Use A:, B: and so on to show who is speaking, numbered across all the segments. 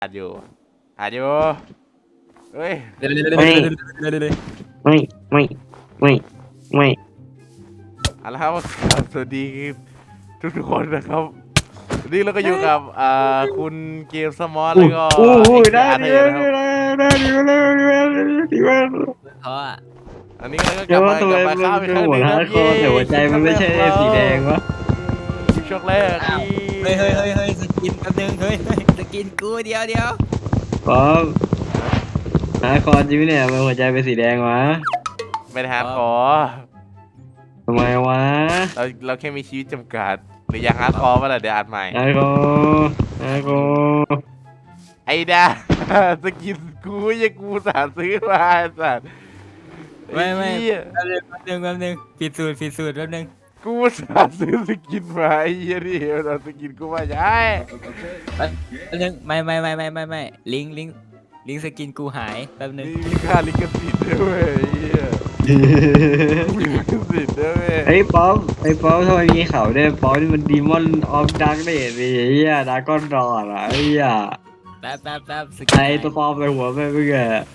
A: อัดอยู่อัดอยู่เฮ้ย
B: ไม่ไม่ไม่ไม่ไม่
A: เอาละครับสวัสดีทุกคนนะครับวันนี้เราก็อยู่กับคุณเกมสมอลแล้วก็
B: ได้
A: อาร์เธ
B: ดี
A: อร์
B: มา
A: นะครับ
B: ได้ดีมาดีมา
C: เพราะอ่ะ
A: อันนี้เราก็ก
B: เดี๋
A: ลั
B: ยว
A: บ
B: ว่า
A: มา
B: ทำไม
A: กลับมา
B: มัน
A: ข้ามอีก
B: เป็น
A: ครั้งห
B: หัว
A: นึ่ง
B: ฮา
A: นะ
B: ร์ดคอร์แต่หัวใจมันไม่ใช่สีแดงวะ
A: คลิปช็อกแรก
C: อ้าวเฮ้ยสกินแป๊บนึงเฮ้ยสกินกูเดียว
B: ป๊อปฮาร์ดคอร์จริงเนี่ยมันหัวใจเป็นสีแดงวะ
A: ไม่ได้ฮาร์ดคอร์
B: ทำไมวะ
A: เราแค่มีชีวิตจำกัดหรืออยากฮาร์ดคอร์ป่ะล่ะเดี๋ยวอัดใหม่
B: ฮาร์ดคอร์ฮาร์ดคอร์
A: ไอ้ดาสกินกูยังกูสาซื้อมาไอ้สัตว์
C: ไม่
A: ไอ้เหี้ย
C: แป๊บนึงผิดสูตรแป๊บนึง
A: กูสาซื้อสกินมาไอ้เหี้ยนี่เราสกินกูมาใช่
C: แป๊บนึงไม่ลิงก์สกินกูหายแป๊บนึง
A: นี่มีค่าลิขสิทธิ์ด้วยไอ้เหี้ยมีลิขสิทธิ์ด้วย
B: ไอ้ป๊อปทำไมมีเขาด้วยป๊อปนี่มันดีมอนออฟดักเดดดิไอ้เหี้ยดาก้อนรอดอะไอ้เหี้ย
C: แป๊บสกิน
B: ไอ้ตัวปลอมในหัวไปเมื่อกี้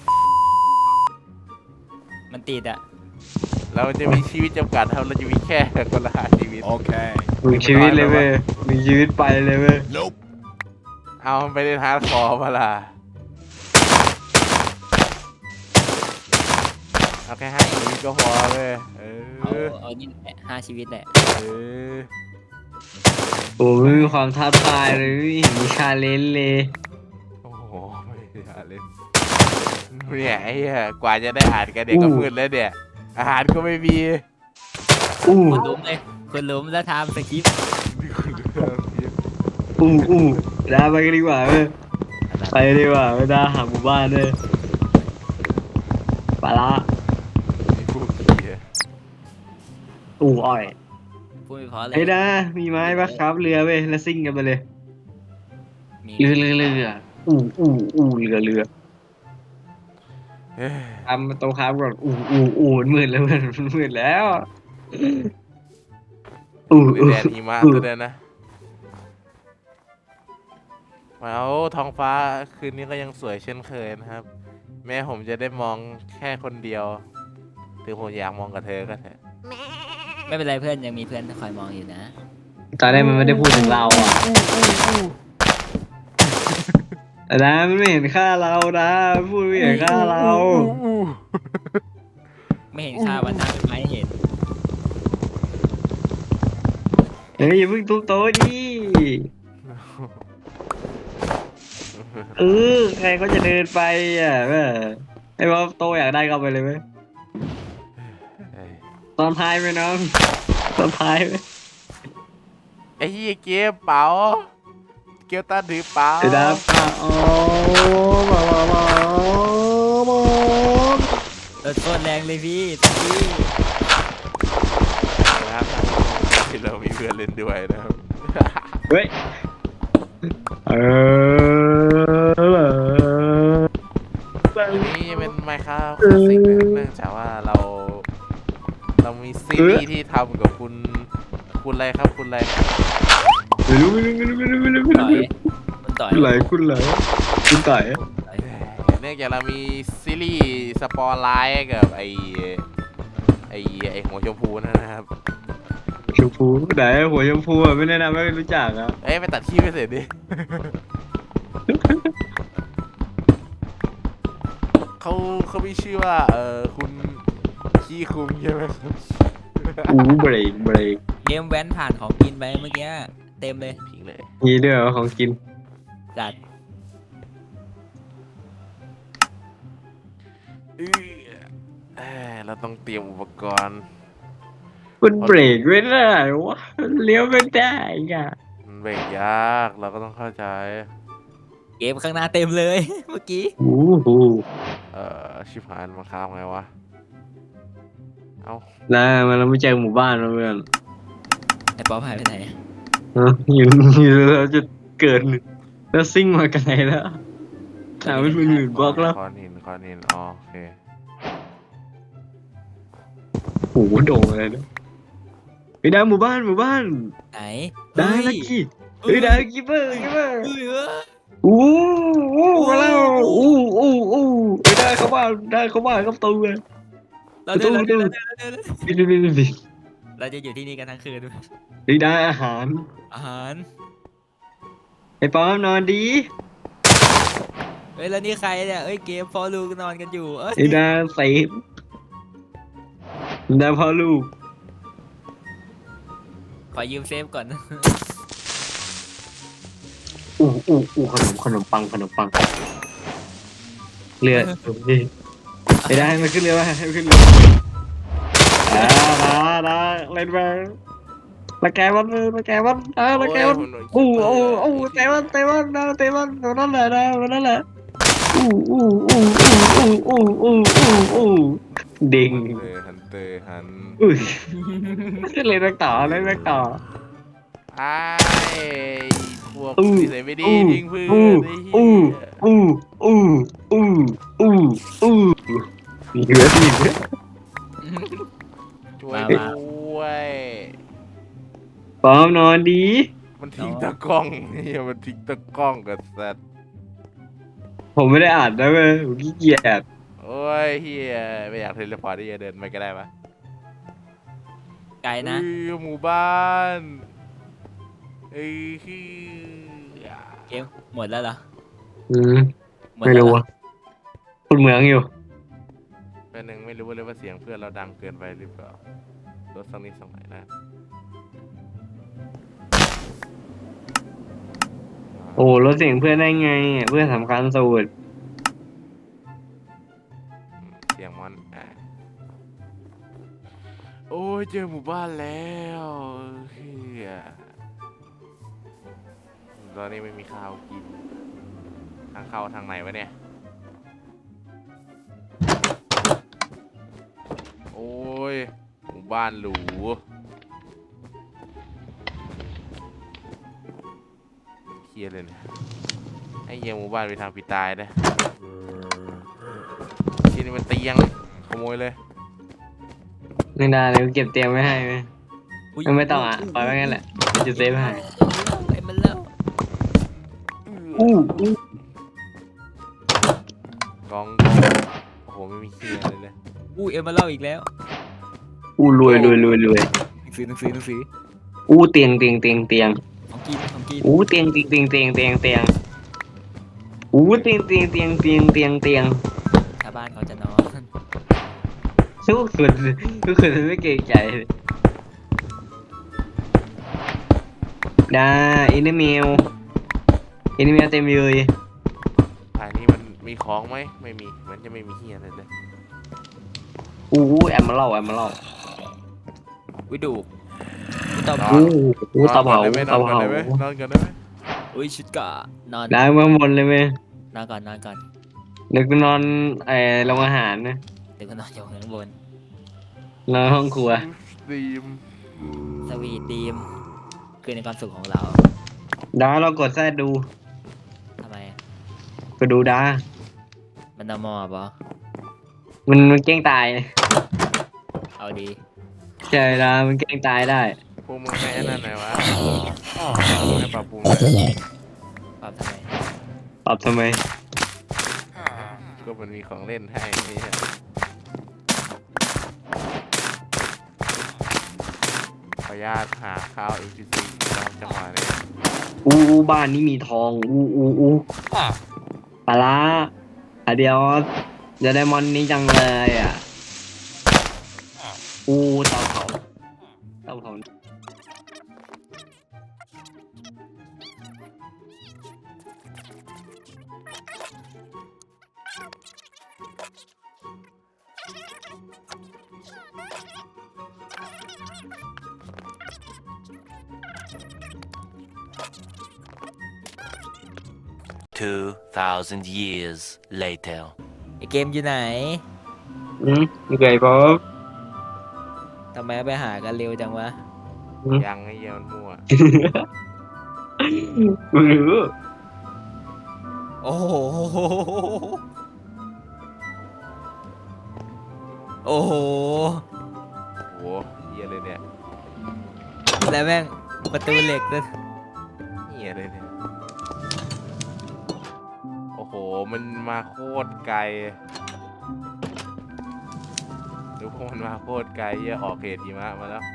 C: มันติดอ่ะ
A: เราจะมีชีวิตจำกัดครับเราจะมีแค่คนละ5ชีวิต
B: มึงชีวิตเลยเว้ยมึงชีวิตไปเลยเว้ย
A: เอามันไปเล่นฮาร์ดคอร์มาล่ะเอาแค่5ชีวิตก็พอเลย
C: เอานี่แหละ5 ชีวิตแหละ
A: เออ
B: โอ้ไม่มีความท้าทายเลยไม่เห็นมีชาเลนจ์เลย
A: โอ้โหไม่อยากเล่นเนี่ยไอ้เหี้ยกว่าจะได้อ่านกันเด็กก็มืดแล้วเนี่ยอาหารก็ไม่มี
B: อู้
C: คุณล้มแล้วทำสคริปต์
B: อู้ดาไปกันดีกว่าเว้ยไปดีกว่าเว้ยดาหาหมู่บ้านเลยปลาละ
A: ไอ้พวกเหี้ย
B: อ้อย
C: พูดไม่พอเลย
B: ไอ้ดามีไม้ปะครับเรือเว้ยแล้วซิ่งกันไปเลย
C: มี
B: เรือเรือ
A: เอ้ย
B: ทำโต๊ะครับก่อนมันมืดแล้วมันมืดแล้ว
A: มีแดนหิมะตัวเดียวนะเอาท้องฟ้าคืนนี้ก็ยังสวยเช่นเคยนะครับ แม้ผมจะได้มองแค่คนเดียวถึงผมอยากมองกับเธอก็เถอะ
C: ไม่เป็นไรเพื่อนยังมีเพื่อนคอยมองอยู่นะ
B: ตอนแรกมันไม่ได้พูดถึงเราอ่ะแต่นะมันไม่เห็นค่าเรานะพูดไม่เห็นค่าเรา
C: ไม่เห็นค่าวันนั้นเป็นไม้เห็น
B: เฮ้ยอย่าเพิ่งทุบโต๊ะดิใครก็จะเดินไปอ่ะแม่ไอ้ว่าโต๊ะอยากได้ก็เอาไปเลยไหม
A: เอ้ย
B: ตอนท้ายไหมน้องตอนท้ายไหม
A: ไอ้เหี้ยเก็บเป๋าเก็บตาถือเป๋า
B: เดี๋ยวนะป้าอ๋อมา
C: รถโคตรแรงเลยพี่
A: นะครับที่เรามีเพื่อนเล่นด้วยนะครับ
B: เฮ้ย
A: อันนี้เป็นไมค์ครับคลาสสิกนะครับเนื่องจากว่าเรามีซีรีส์ที่ทำกับคุณอะไรครับคุณอะไร
B: ไม่รู้
C: ต่อยมันต่อย
B: คุณไหลคุณต่อย
A: เนื่องจากเรามีซีรีส์สปอร์ไลท์กับไอหัวชมพูนะครับ
B: ชมพูไหนหัวชมพูอ่ะไม่แนะนำไม่รู้จักอ่ะ
A: เอ้ยไปตัดที่ไปเสร็จดิ เขามีชื่อว่าคุณขี้คุงใช่ไหมครับ
B: เบรก
C: เกมแว้นผ่านของกินไปเมื่อกี้เต็มเลย
A: พิงเลย
B: มีด้วยเหรอของกิน
C: จัด
A: เราต้องเตรียมอุปกรณ์
B: มันเบรกไม่ได้วะเลี้ยวไม่ได้อ่ะ
A: มันเบรกยากเราก็ต้องเข้าใจ
C: เกมข้างหน้าเต็มเลย เมื่อกี้
B: โอ้โห
A: ชิบหายมันข้ามไงวะเอา
B: น่ามันเราไม่เจอหมู่บ้านแล้วเพื่อน
C: ไอ้ป๊อปหายไปไหน
B: อยู่เราจะเกิดแล้วซิ่งมาไกลแล้วถามเป็นหมื่นบล็อกแล้ว
A: คอนหินอ๋อโอเค
B: โอ้โหโด่งเลยนะไปได้หมู่บ้าน
C: ไหน
B: ได้ลักกี้เฮ้ยได้ลักกี้เปอร์
C: เฮ้ย
B: อู้อู้มาแล้วอู้ไม่ได้เข้าบ้านได้เข้าบ้านเข้าประตูเลย
C: เรา
B: ประ
C: เดิ
B: ตู
C: น
B: ประตู นี่
C: เราจะอยู่ที่นี่กันทั้งคืน
B: นี่ได้อาหาร
C: อาหาร
B: ไอ้ปอมนอนดี
C: เฮ้ยแล้วนี่ใครเนี่ยเอ้ยเกมฟอร์ลูกนอนกันอยู่เอ้ย
B: ไอ้ดาเซฟดาพ่อลูก
C: ขอยืมเซฟก่อน
B: อู้ขนมปังเรือนี่ไอ้ได้ให้มันขึ้นเรือมาให้มันขึ้นเรือดาเล่นไปละแกมันละแกมันละแกมันเตะมันนั่นแหละนั่นแหละดิ่ง
A: ฮันเตอร์ฮัน
B: อุ้ยเล่นต่อไ
A: ไอ้พวก
B: อู้
A: นิสัยไม่ดีทิ้งเพื่อนไอ้เหี้ย
B: มีเรือมีเรือ
A: ช่วยด้วย
B: ปอมนอนดี
A: มันทิ้งตะกล้องเฮียมันทิ้งตะกล้องกับสัตว์
B: ผมไม่ได้อ่านนะเว้ยผมขี้เกียจ
A: โอ้ยเฮียไม่อยากเทเลพอร์ตที่จะเดินไปก็ได้ปะ
C: ไกลนะ
A: หมู่บ้านเอ้ยคือ
C: เกมหมดแล้วเหรอ
B: ไม่รู้อ่ะคนเมืองอยู่
A: เป็นหนึ่งไม่รู้เลยว่าเสียงเพื่อนเราดังเกินไปหรือเปล่าลดสักนิดสักหน่อยนะ
B: โอ้ลดเสียงเพื่อนได้ไงเพื่อนสำคัญสุด
A: เสียงมันโอ้ยเจอหมู่บ้านแล้วเฮียตอนนี้ไม่มีข้าวกินทางเข้าทางไหนวะเนี่ยโอ้ยหมู่บ้านหรูเครียดเลยเนี่ยให้เยี่ยมหมู่บ้านไปทางปีตายนะที่นี่มันเตียงขโมยเลย
B: ไม่ได้เลยเก็บเตรียมไว้ให้ไหม
C: อุ๊ย
B: ไม่ต้องอ่ะปล่อยไว้งั้นแหละจะเซฟให้
C: ไอ้มันแล้ว
A: กองโอ้โหไม่มีเคียเลยเลย
C: เอ็มมาเล่าอีกแล้ว
B: รวย
C: หนังสือ
B: เตียง
C: ของกิน
B: เตียงเตียงเตียง
C: ชาวบ้านเขาจะนอน
B: ทุกคนไม่เกรงใจได้อินเมลเต็มเลย
A: ภายนี้มันมีของไหมไม่มีมันจะไม่มีเฮียอะไรเลย
B: แอมมาเล่า
C: วิดูตอบ
A: นอน
B: เตาเผา
A: นอนก่อนได้ไหมนอนก่อนได้ไหม
C: ชุดกะนอน
B: ได้เมื่อหมดเลยไหม
C: นอนก่อน
B: นึกนอนโรงอาหารนะ
C: เดี๋ยวก็นอนอยู่ข้างบน
B: นอนห้องครัว
A: ดีม
C: สวีทดีมคือในความสุขของเรา
B: ได้เรากดแซดดู
C: ทำไม
B: ก็ดูได้
C: มันนอมอปะ
B: มันเก้งตาย
C: เอาดี
B: ใช่ละมันเก้งตายได้
A: พวกมึงไม่ไอ้นั่นไหนวะไม่ปรับปรุง
C: ปรับทำไม
B: ตอบทำไม
A: ก็มันมีของเล่นให้นี่ฮะขออนุญาตหาข้าว NPC รอบจังหวะนี้
B: บ้านนี้มีทองปลาร้าเดี๋ยวจะได้มอนนี้จังเลยอ่ะเตาเผา
D: 2,000 years later.
C: ไอเกมอยู่ไหน
B: นี่ไงป๊อป
C: ทำไมไปหากันเร็วจังวะ
A: ยังไอ้เหี้ยมันมั่ว
B: ไม่รู้
C: โอ้โห โอ้โห
A: โหเหี้ยเลยเนี่ย
C: แล้วแม่งประตูเหล็กด้วย
A: เหี้ยเลยเนี่ยมันมาโคตรไกลดูพวกมันมาโคตรไกลเหี้ยออกเขตหิมะมาแล้ว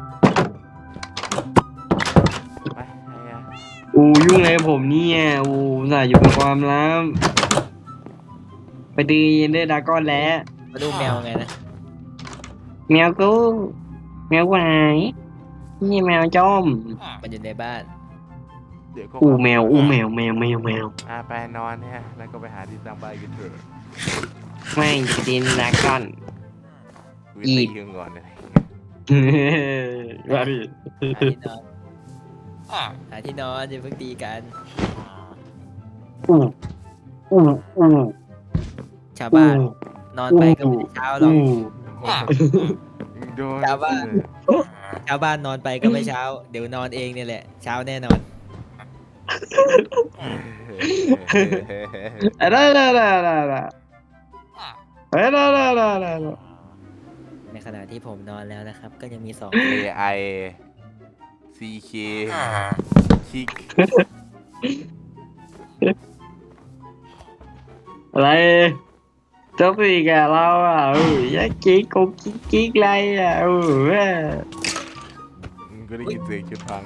A: ไปไอ้เหี้ย
B: ยุ่งอะไรกับผมเนี่ยน่าอยู่เป็นความลับไปตีเย็นด้วยดราก้อนแล้ว
C: มาดูแมวไงนะ
B: แมวกูแมวกูหายนี่แมวจอม
C: มันอยู่ในบ้าน
A: เดี๋ยวก็
B: แมวแมว
A: ไปนอนเนี่ยแล้วก็ไปหาที่สร้างบ้านกันเถอะ
B: ไม่จะตีดราก้อน
A: กู
B: อี
A: ตีมึงก่อนเลย
B: ว่าดิ
C: หาที่นอนอย่าเพิ่งตีกัน
B: อู้อู้อู้
C: ชาวบ้านนอนไปก็ไม่ได้เช้าหรอก
A: โดน
C: ชาวบ้าน ชาวบ้านนอนไปก็ไม่เช้า เดี๋ยวนอนเองเนี่ยแหละ เช้าแน่นอน
B: อะไร
C: ในขณะที่ผมนอนแล้วนะครับ ก็ยังมีสอง
A: AI CK คิก
B: อะไรจบอีกอะเราอ่ะยักกิ๊กกิ๊กอะไรอ่ะ
A: มึงก็ได้ยินเสียงชุดพัง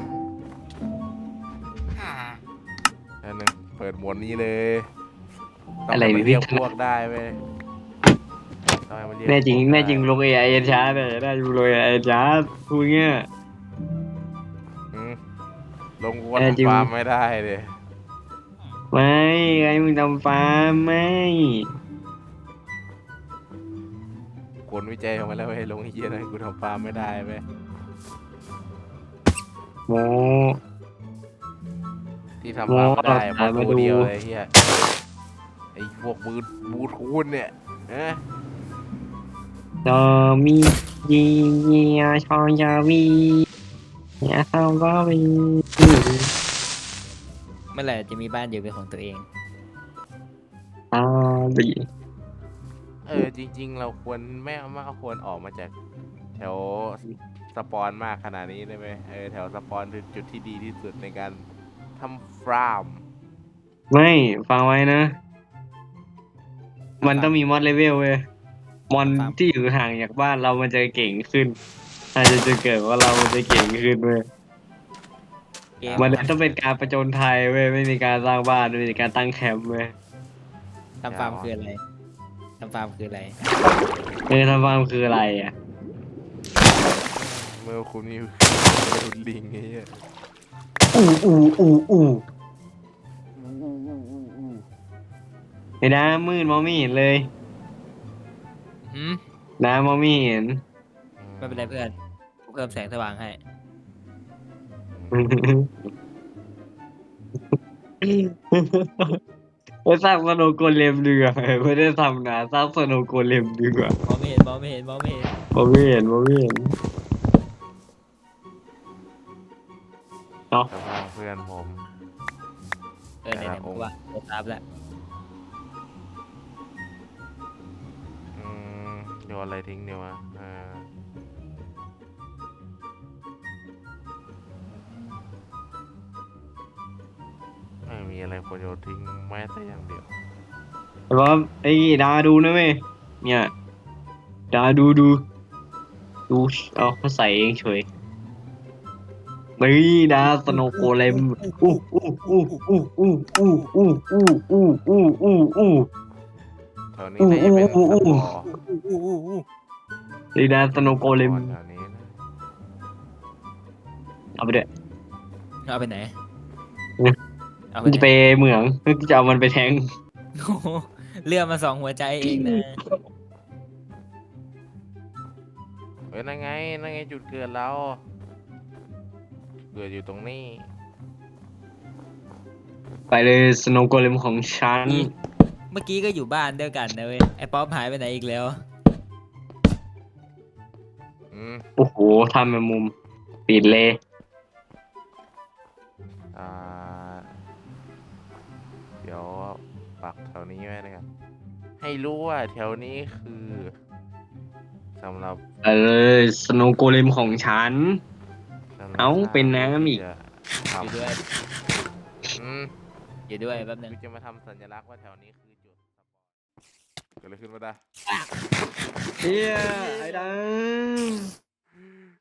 A: อันนึงเปิดหมวดนี้เลยต้องให้มันเรียกพวกได้เว้ยต้องให้มันเรียก
B: แน่จริง
A: พวกได้
B: แน่จริงลง AI ช้าเลยได้อยู่ลง AI ช้าพูดเงี้ย
A: อืมลงวั
B: แน่จริง
A: ฟาร์มไม่ได้เลย
B: ไม่ไอ้มึงทำฟาร์มไม่
A: คนวิจัยออกมาแล้วเว้ยลงไอ้เหี้ยนะกูทำฟาร์มไม่ได้เว้ย
B: โม
A: ที่ทำฟาร์มไม่ได้เพ
B: โอ้
A: ราะ
B: มา
A: ตัว
B: ดู
A: เดียวเลยไอ้เหี้ยไอ้พวกบูทูนเนี่ยนะ
B: จอมียีเนียชอนยาวีเนี่ยชอนก็วี
C: เมื่อไหร่จะมีบ้านอยู่เป็นของตัวเอง
B: บี
A: จริง ๆ เราควรไม่ควรออกมาจากแถวสปอนมากขนาดนี้ได้ไหมแถวสปอนคือจุดที่ดีที่สุดในการทำฟาร์ม
B: ไม่ฟังไว้นะ มันต้องมีมอดเลเวลเว้ยมอนที่อยู่ห่างจากบ้านเรามันจะเก่งขึ้นอาจจะเกิดว่าเราจะเก่งขึ้นเว้ย
C: เกม
B: มันต้องเป็นการประจนไทยเว้ยไม่มีการสร้างบ้านไม่มีการตั้งแคมป์เว้ย
C: ทำฟาร์มคืออะไรทำฟาร์มคืออะไร
B: ทำฟาร์มคืออะไรอ่ะ
A: เมื่อคุณมีรุนลิงไอ้เหี้ย
B: ไอ้น้ำมืดมองไม่เห็นเลย
C: หืม
B: น้ำมองไม่เห็น
C: ไม่เป็นไรเพื่อนกูเพิ่มแสงสว่างให้
B: ไปสร้างสโนว์โกเลมดีกว่าไม่ได้ทำนะสร้างสโนว์โกเลมดีกว่าม
C: องไม่เห็นมองไม่เห็นมองไม่เห็น
B: มองไม่เห็นมองไม่เห็น
A: สภาพเพื่อนผม
C: ไหนๆมึงว่าโดนทับแล้ว
A: โยนอะไรทิ้งเดียววะไม่มีอะไรควรโยนทิ้งแม้แต่อย่างเดียว
B: แต่ว่าไอ้ดาดูนะเว้ยเนี่ยดาดูเอาเขาใส่เองเฉยนี่ดาสโนว์โกเลม
A: แถวนี้น่าจะเป็นสปอร์
B: นี่ดาสโนว์โกเลม
A: แถวนี้นะ
B: เอาไปด้วย
C: เอาไปไหนเอาไป
B: มัน
C: ไหน
B: จะไปเหมืองจะเอามันไปแทง
C: โอ้โหเลือกมา2 หัวใจเองนะ
A: นั่นไงจุดเกิดเราเกิดอยู่ตรงนี้
B: ไปเลยสโนว์โกเลมของฉัน
C: เมื่อกี้ก็อยู่บ้านเดียวกันนะเว้ยไอ้ป๊อปหายไปไหนอีกแล้ว
B: โอ้โหทำเป็นมุมปิดเลย
A: เดี๋ยวปักแถวนี้ไว้นะครับให้รู้ว่าแถวนี้คือสำหรับ
B: ไปเลยสโนว์โกเลมของฉัน
A: สำหรับ
B: เอ้าเป็นน้ำอีก
A: ที่จะท
C: อยู่ด้วย
A: ำ
C: อยู่ด้วยแป๊บนึง
A: กูจะมาทำสัญลักษณ์ว่าแถวนี้คือจุดสปอนเกิดอะไรขึ้นมาได้
B: เฮียไอ้ดัง